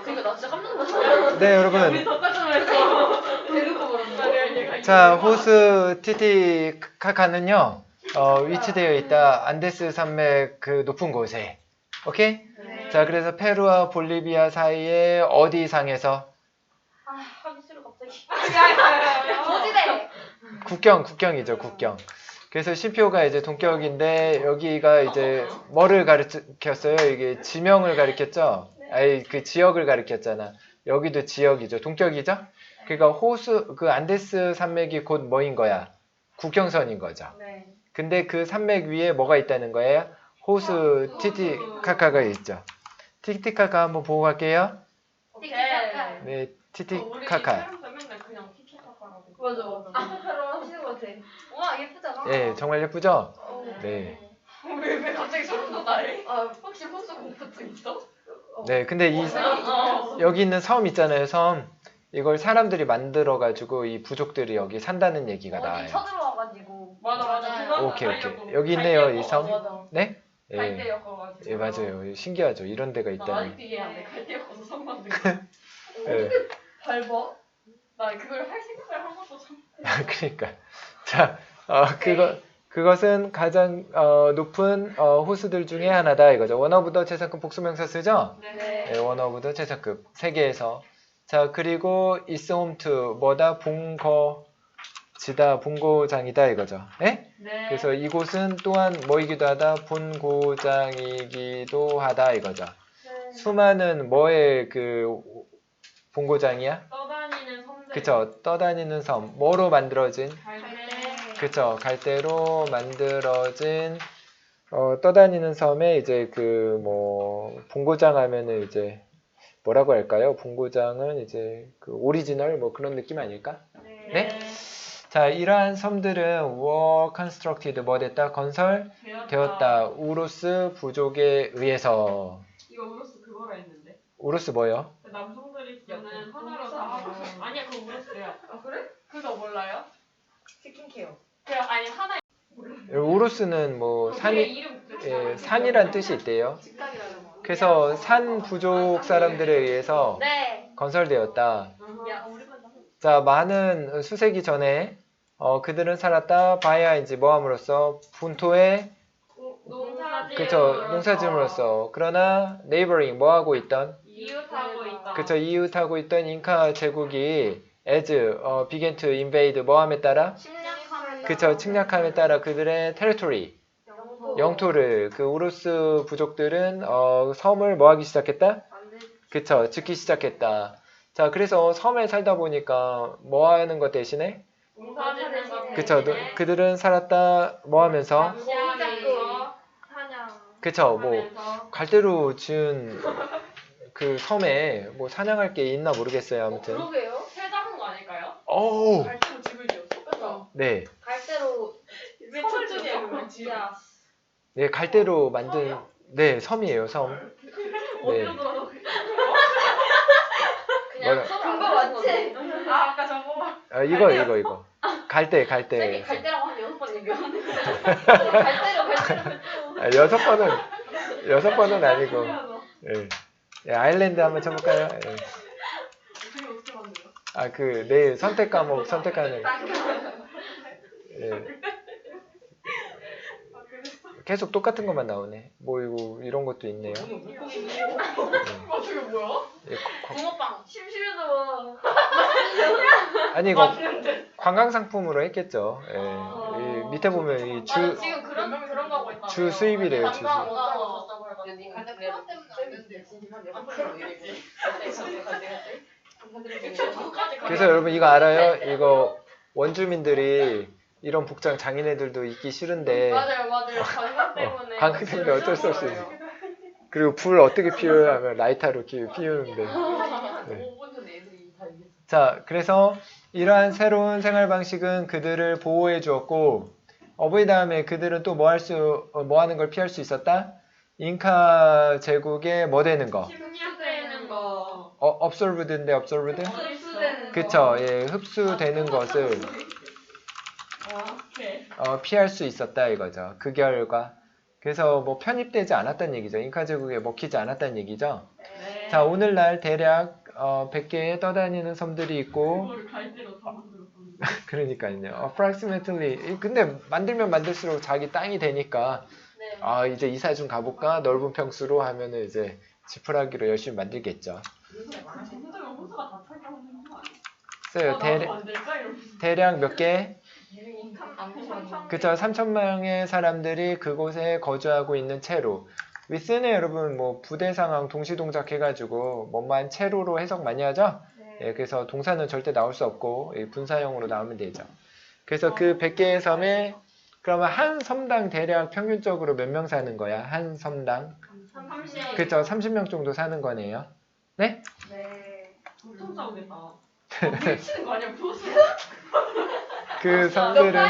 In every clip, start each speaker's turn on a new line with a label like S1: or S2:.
S1: 그러니까 나 진짜 깜짝 놀랐어.
S2: 네, 여러분.
S1: 똑같은 말했어. 대놓고 물었다.
S2: 자, 호수 티티카카는요, 위치되어 있다. 안데스 산맥 그 높은 곳에. 오케이?
S1: 네.
S2: 자, 그래서 페루와 볼리비아 사이에 어디 상에서?
S1: 아, 하기 싫어 갑자기.
S3: 고지대.
S2: 국경이죠, 국경. 그래서 쉼표가 이제 동격인데, 여기가 이제 뭐를 가리켰어요? 이게 지명을 가리켰죠? 아니, 그 지역을 가리켰잖아. 여기도 지역이죠. 동격이죠? 그러니까 호수, 그 안데스 산맥이 곧 뭐인 거야? 국경선인 거죠.
S1: 네.
S2: 근데 그 산맥 위에 뭐가 있다는 거예요? 호수 티티카카가 있죠. 티티카카 한번 보고 갈게요.
S3: 티키타카.
S2: 네, 티티카카.
S1: 맨날 그냥 티키타카라고.
S3: 맞아. 아까처럼 하시는 것 같아. 와 예쁘잖아.
S2: 네, 정말 예쁘죠?
S3: 어.
S2: 네.
S1: 왜 갑자기 소름 돋아해?
S3: 아,
S1: 혹시 호수 공포증 있어?
S2: 네, 근데 여기 있는 섬 있잖아요, 섬. 이걸 사람들이 만들어가지고 이 부족들이 여기 산다는 얘기가
S3: 어디
S2: 나와요.
S3: 쳐들어와가지고.
S1: 맞아.
S2: 오케이. 여기 있네요, 이 섬.
S3: 맞아.
S2: 네? 예,
S1: 갈대였어가지고.
S2: 예, 맞아요. 신기하죠. 이런 데가
S1: 나
S2: 있다니.
S1: 아직도 이해 안 돼. 갈대였어서 성 만든 거.
S2: 예.
S1: 밟아? 나 그걸 할 생각을 한 것도 참.
S2: 그러니까. 자, 그것은 가장 높은 호수들 중에 하나다 이거죠. 원어부더 최상급 복수명사 쓰죠?
S1: 네.
S2: 네, 원어부더 최상급 세계에서. 자, 그리고 is home to 뭐다? 본거지다, 본고장이다 이거죠. 네?
S1: 네.
S2: 그래서 이곳은 또한 뭐이기도 하다? 본고장이기도 하다 이거죠. 수많은 뭐의 그 본고장이야?
S1: 떠다니는 섬들.
S2: 그쵸, 떠다니는 섬. 뭐로 만들어진?
S1: 갈대.
S2: 그쵸, 갈대로 만들어진 떠다니는 섬에 이제 그 뭐 본고장 하면은 이제 뭐라고 할까요? 본고장은 이제 그 오리지널 뭐 그런 느낌 아닐까? 네? 자, 이러한 섬들은 were constructed 뭐 됐다? 건설되었다. 우루스 부족에 의해서.
S1: 이거 우로스 그거라 했는데.
S2: 우루스 뭐요?
S1: 그 남성들이 쓰는 하나로 다 하고. 아니야 그거 우로스야. 아 그래? 그거 몰라요?
S3: 스킨케어.
S1: 그냥 아니 하나.
S2: 우루스는 뭐 산이란 뜻이 있대요.
S3: 직각이라고.
S2: 그래서 산 부족 사람들에 의해서
S3: 네.
S2: 건설되었다.
S3: 야 우리만 나.
S2: 자, 많은 수세기 전에 그들은 살았다. 바야인지 뭐함으로써 분토에 농사지음으로써. 그러나 neighboring 뭐하고 있던
S1: 이웃하고 있다.
S2: 그쵸, 이웃하고 있던 잉카 제국이 as began to invade 뭐함에 따라 그쵸, 침략함에 따라 그들의 territory 영토를 그 우루스 부족들은 섬을 뭐하기 시작했다? 그쵸, 짓기 시작했다. 자, 그래서 섬에 살다 보니까 뭐 하는 것 대신에
S1: 농사짓는 것
S2: 그쵸,
S1: 대신에
S2: 그들은 살았다 뭐 하면서
S1: 공작도
S3: 사냥.
S2: 그쵸, 뭐 갈대로 지은 그 섬에 뭐 사냥할 게 있나 모르겠어요. 아무튼
S3: 그러게요.
S1: 새 잡은 거 아닐까요?
S2: 오,
S1: 갈대로 집을 지었어?
S3: 그렇죠.
S2: 네,
S3: 갈대로
S1: 섬을 지었어?
S3: 진짜.
S2: 네, 갈대로 만든 네 섬이에요, 섬. 네,
S1: 어디로 돌아가?
S3: 그냥
S2: 뭐라-
S3: 그거 맞지?
S1: 아 아까 저거.
S2: 이거 갈대.
S3: 쌤이 갈대라고 한 6번 얘기하는데. 갈대로.
S2: 6번은 아니고. 예. 예, 아일랜드 한번 쳐볼까요? 예.
S1: 되게 어떻게 만들어?
S2: 아, 그 내일 선택 과목 선택하는. 예. 계속 똑같은 것만 나오네. 뭐 이거 이런 것도 있네요.
S1: 아 저게 뭐야?
S2: 예,
S3: 붕어빵.
S1: 심심해서.
S2: 아니 이거 관광 상품으로 했겠죠. 예. 이 밑에 보면 이
S1: 맞아 지금 그런 거 하고 있다.
S2: 주 수입이래요, 주 수입. 그래서 여러분 이거 알아요? 이거 원주민들이 이런 복장 장인애들도 입기 싫은데
S1: 맞아요. 관광 때문에.
S2: 관광 때문에 어쩔 수 없이. 그리고 불 어떻게 피우냐면 라이터로 피우는데. 네. 자, 그래서 이러한 새로운 생활 방식은 그들을 보호해 주었고 어버이 다음에 그들은 또 뭐 하는 걸 피할 수 있었다? 잉카 제국에 뭐 되는 거?
S1: 침략되는 거.
S2: absorbed인데 absorbed?
S1: 흡수되는 거.
S2: 그쵸, 예, 흡수되는 것을
S1: 오케이.
S2: 피할 수 있었다 이거죠. 그 결과. 그래서 뭐 편입되지 않았다는 얘기죠. 잉카 제국에 먹히지 않았다는 얘기죠.
S1: 네. 네.
S2: 자, 오늘날 대략 100개의 떠다니는 섬들이 있고
S1: 그거를 갈대로 다 만들었거든요.
S2: 그러니까요. approximately. 근데 만들면 만들수록 자기 땅이 되니까
S3: 네.
S2: 이제 이사 좀 가볼까? 넓은 평수로 하면은 이제 지푸라기로 열심히 만들겠죠.
S1: 호수면 호수가 다 찰까 하는 거 아니야?
S2: 써요.
S1: 나도 만들까? 이러면서.
S2: 대략 몇 개?
S3: 삼천.
S2: 그쵸. 3,000명의 사람들이 그곳에 거주하고 있는 채로. 위스는 여러분 뭐 부대 상황 동시동작 해가지고 뭐만 채로로 해석 많이 하죠? 예, 그래서 동사는 절대 나올 수 없고 분사형으로 나오면 되죠. 그래서 그 100개의 섬에 그러면 한 섬당 대략 평균적으로 몇 명 사는 거야? 한 섬당?
S3: 30.
S2: 그쵸. 30명 정도 사는 거네요. 네?
S3: 네.
S1: 엄청 싸우겠다. 미치는 거 아니야? 호수?
S2: 그 섬들은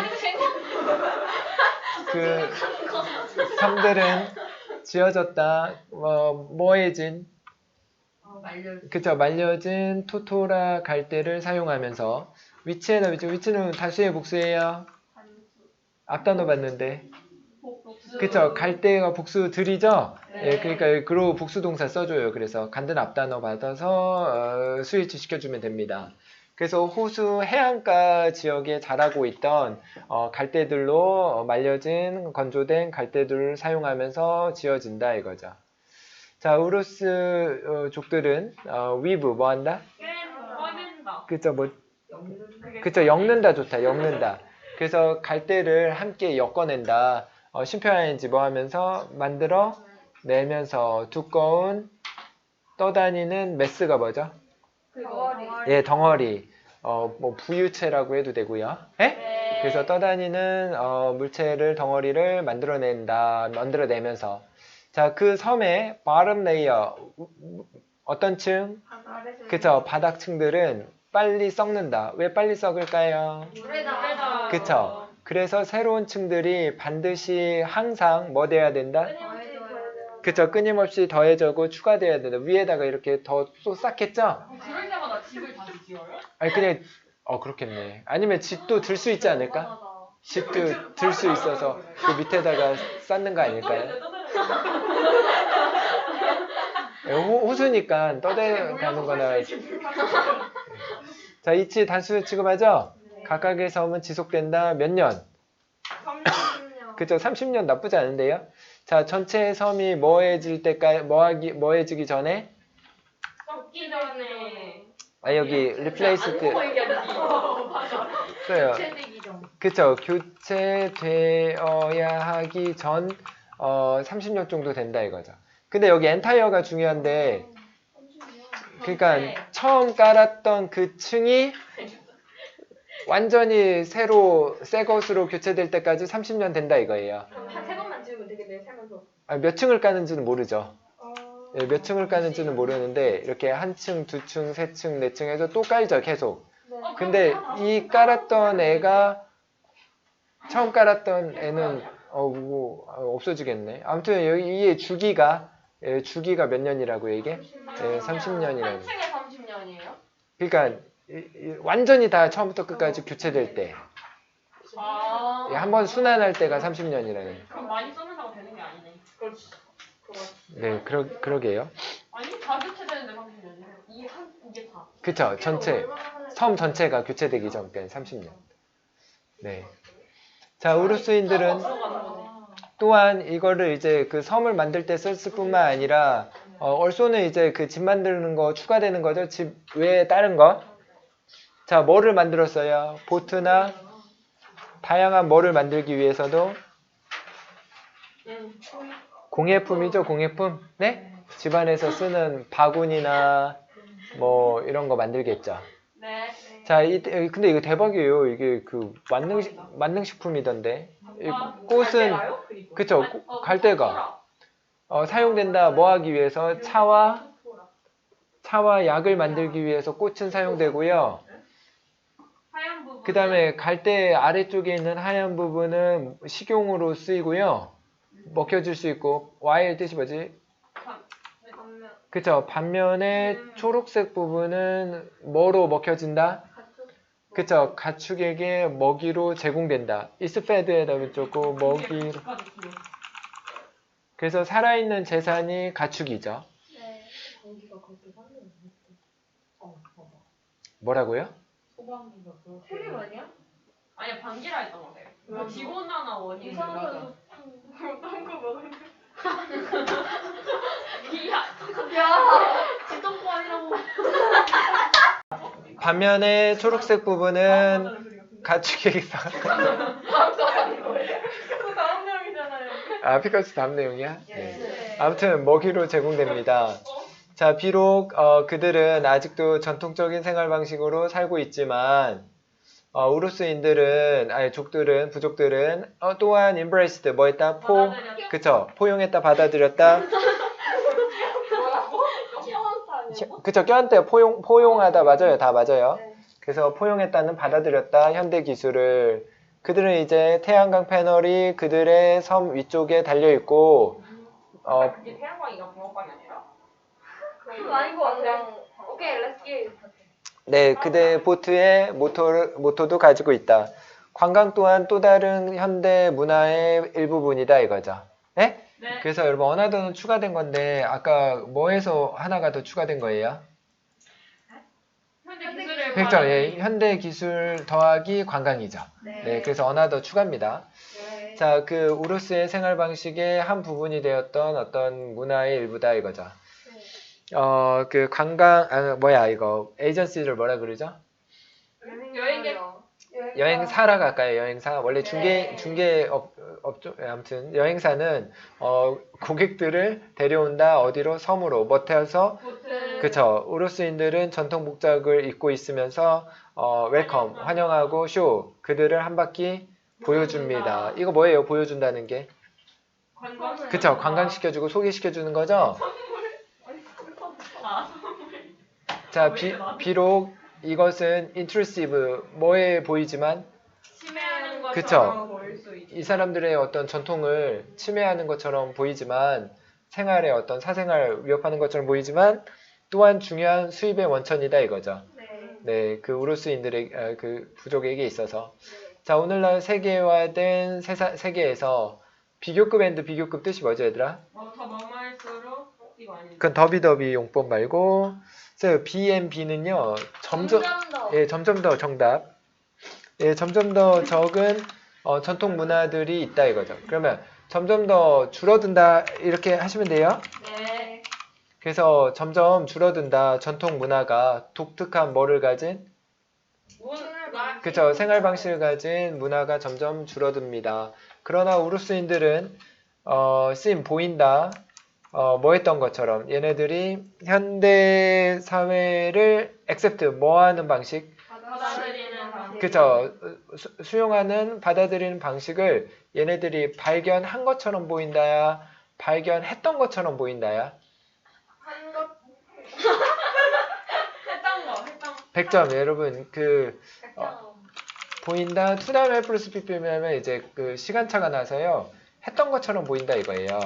S2: 그 섬들은 지어졌다. 뭐해진? 그쵸. 말려진 토토라 갈대를 사용하면서 위치에다 위치는 단수의 복수예요. 앞단어 봤는데. 그쵸. 갈대가 복수들이죠.
S1: 네.
S2: 예, 그러니까 그로 복수 동사 써줘요. 그래서 간든 앞단어 받아서 스위치 시켜주면 됩니다. 그래서 호수 해안가 지역에 자라고 있던 갈대들로 말려진 건조된 갈대들을 사용하면서 지어진다 이거죠. 자, 우루스 족들은 위브 뭐 한다?
S1: 꺼낸다.
S2: 그쵸, 그쵸, 엮는다 좋다. 엮는다. 그래서 갈대를 함께 엮어낸다. 심표하인지 뭐 하면서 만들어 내면서 두꺼운 떠다니는 메스가 뭐죠?
S3: 덩어리.
S2: 예, 덩어리. 뭐 부유체라고 해도 되고요. 예?
S3: 네.
S2: 그래서 떠다니는 물체를 덩어리를 만들어내면서 자, 그 섬의 bottom layer 어떤 층? 그쵸, 바닥층들은 빨리 썩는다. 왜 빨리 썩을까요?
S3: 물에다.
S2: 그쵸. 그래서 새로운 층들이 반드시 항상 뭐 돼야 된다? 그쵸, 끊임없이 더해져고 추가돼야 된다. 위에다가 이렇게 더 쌓겠죠?
S1: 그럴 때마다 집을 다시 지어요?
S2: 아니 그냥 그렇겠네. 아니면 집도 들 수 있지 않을까? 집도 들 수 있어서 그 밑에다가 쌓는 거 아닐까요? 호수니까 떠내가는 거나. 자, 이치 단수 취급하죠? 각각의 섬은 지속된다. 몇 년?
S3: 30년.
S2: 그쵸, 30년 나쁘지 않은데요? 자, 전체 섬이 뭐해질 때까지, 뭐해지기 전에?
S1: 썩기 전에.
S2: 여기 replace 때 써요.
S3: 교체되기 전.
S2: 그쵸, 교체되어야 하기 전 30년 정도 된다 이거죠. 근데 여기 entire가 중요한데, 그러니까 처음 깔았던 그 층이 완전히 새로 새 것으로 교체될 때까지 30년 된다 이거예요.
S3: 그럼 한 3번만 지으면 되겠네, 살면서.
S2: 몇 층을 까는지는 모르죠. 예, 몇 층을 까는지는 모르는데 이렇게 한 층, 두 층, 세 층, 네 층 해서 또 깔죠 계속. 근데 이 깔았던 애가 처음 깔았던 애는 없어지겠네. 아무튼 여기 이 주기가 몇 년이라고 이게? 30년이라고.
S1: 한 층에 30년이에요?
S2: 그러니까 완전히 다 처음부터 끝까지 교체될 때. 한번 순환할 때가 30년이라는.
S1: 그럼 많이 써면서 되는 게 아니네. 그렇지.
S2: 네, 그러게요.
S1: 아니, 다 교체되는데 30년이에요. 이게 다.
S2: 그쵸, 전체. 섬 전체가 교체되기 전까지 30년. 네. 자, 우루스인들은 또한 이거를 이제 그 섬을 만들 때 썼을 뿐만 아니라 얼쏘는 이제 그 집 만드는 거 추가되는 거죠. 집 외에 다른 거. 자, 뭐를 만들었어요? 보트나 다양한 뭐를 만들기 위해서도 공예품이죠, 공예품. 네? 집안에서 쓰는 바구니나 뭐 이런 거 만들겠죠.
S1: 네.
S2: 자, 근데 이거 대박이에요. 이게 그 만능식품이던데. 이 꽃은 그쵸, 갈대가 사용된다. 뭐 하기 위해서? 차와 약을 만들기 위해서 꽃은 사용되고요.
S1: 하얀 부분.
S2: 그 다음에 갈대 아래쪽에 있는 하얀 부분은 식용으로 쓰이고요. 먹혀질 수 있고, Y의 뜻이 뭐지? 그쵸. 반면에 초록색 부분은 뭐로 먹혀진다? 그쵸. 가축에게 먹이로 제공된다. is fed에다 적고 먹이로. 그래서 살아있는 재산이 가축이죠.
S3: 방귀가 그렇게 하는 거 봐봐.
S2: 뭐라고요?
S1: 소방기가 그렇게.
S3: 틀림 아니야?
S1: 아니야 방귀라 했던 거 같아요. 뭐 기본하나 원인.
S3: 이상한
S1: 어떤 거 먹는데? 이야.
S3: 야, 지동포 아니라고.
S2: 반면에 초록색 부분은 가축계획사.
S1: 그거 다음 내용이잖아요.
S2: 아, 피카소 다음 내용이야? 네.
S3: 네.
S2: 아무튼 먹이로 제공됩니다. 자, 비록 그들은 아직도 전통적인 생활 방식으로 살고 있지만 우루스인들은 아니 족들은 부족들은 또한 embraced 뭐 했다?
S1: 받아들였다.
S2: 그쵸? 포용했다, 받아들였다.
S1: 뭐라고?
S2: 그쵸? 껴안대 포용하다 맞아요. 다 맞아요.
S3: 네.
S2: 그래서 포용했다는 받아들였다 현대 기술을. 그들은 이제 태양광 패널이 그들의 섬 위쪽에 달려 있고
S1: 이게 태양광이가 붕어빵이 아니라?
S3: 그거 아닌 것 같아. 오케이, 렛츠 기.
S2: 네, 그대 보트의 모토도 가지고 있다. 관광 또한 또 다른 현대 문화의 일부분이다 이거죠. 네?
S1: 네.
S2: 그래서 여러분 언어도는 추가된 건데 아까 뭐에서 하나가 더 추가된 거예요?
S1: 현대 기술을
S2: 그렇죠. 예, 현대 기술 더하기 관광이죠. 네, 그래서 언어도 추가입니다.
S3: 네.
S2: 자, 그 우루스의 생활 방식의 한 부분이 되었던 어떤 문화의 일부다 이거죠. 그 관광 이거 에이전시를 뭐라 그러죠? 여행사라 갈까요? 여행사. 원래 중개 업종 아무튼 여행사는 고객들을 데려온다 어디로? 섬으로 모텔에서.
S1: 보트.
S2: 그쵸. 우루스인들은 전통 복장을 입고 있으면서 웰컴 환영하고 쇼 그들을 한 바퀴 보여줍니다. 이거 뭐예요? 보여준다는 게?
S1: 관광.
S2: 그쵸. 관광시켜주고 소개시켜주는 거죠.
S1: 아,
S2: 자, 비록 이것은 intrusive 뭐에 보이지만
S1: 침해하는 것처럼
S2: 그쵸.
S1: 보일 수 있다.
S2: 이 사람들의 어떤 전통을 침해하는 것처럼 보이지만 생활의 어떤 사생활 위협하는 것처럼 보이지만 또한 중요한 수입의 원천이다 이거죠. 네, 그 우루스인들의 그 부족에게 있어서. 자, 오늘날 세계화된 세계에서 비교급 앤드 비교급 뜻이 뭐죠, 얘들아?
S1: 더 머무할수록 이거 아닌데.
S2: 그건 더비더비 용법 말고, 그래서 B&B는요, 점점 더 정답. 예, 점점 더 적은 전통 문화들이 있다 이거죠. 그러면 점점 더 줄어든다 이렇게 하시면 돼요.
S1: 네.
S2: 그래서 점점 줄어든다 전통 문화가 독특한 뭐를 가진? 그쵸, 생활 방식을 가진 문화가 점점 줄어듭니다. 그러나 우루스인들은 보인다. 뭐 했던 것처럼 얘네들이 현대 사회를 accept 뭐 하는 방식?
S1: 받아들이는 방식.
S2: 그쵸. 수용하는 받아들이는 방식을 얘네들이 발견한 것처럼 보인다야? 발견했던 것처럼 보인다야?
S1: 했던 거.
S2: 100점. 여러분 보인다 to 다음에 플러스 pp면 이제 그 시간차가 나서요. 했던 것처럼 보인다 이거예요.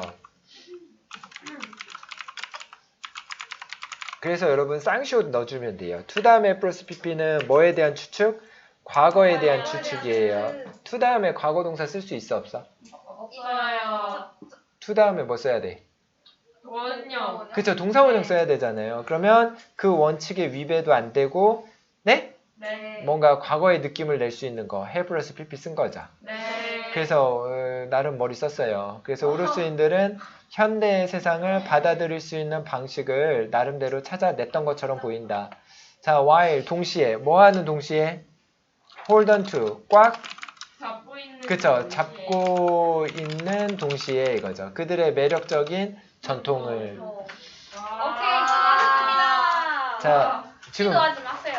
S2: 그래서 여러분 쌍시옷 넣어주면 돼요. to 다음에 플러스 pp는 뭐에 대한 추측? 과거에 대한 추측이에요. to 다음에 과거 동사 쓸 수 있어 없어?
S1: 없어요.
S2: to 다음에 뭐 써야 돼?
S1: 원형.
S2: 그쵸, 동사원형 써야 되잖아요. 그러면 그 원칙에 위배도 안 되고 네?
S1: 네.
S2: 뭔가 과거의 느낌을 낼 수 있는 거 해 플러스 pp 쓴 거죠.
S1: 네.
S2: 그래서 나름 머리 썼어요. 그래서 우루스인들은 현대의 세상을 받아들일 수 있는 방식을 나름대로 찾아냈던 것처럼 보인다. 자, while 동시에 뭐 하는 동시에? hold on to 꽉
S1: 잡고 있는.
S2: 그쵸,
S1: 동시에.
S2: 잡고 있는 동시에 이거죠. 그들의 매력적인 전통을.
S1: 와.
S3: 오케이, 수고하셨습니다.
S2: 자, 지금
S3: 기도하지 마세요.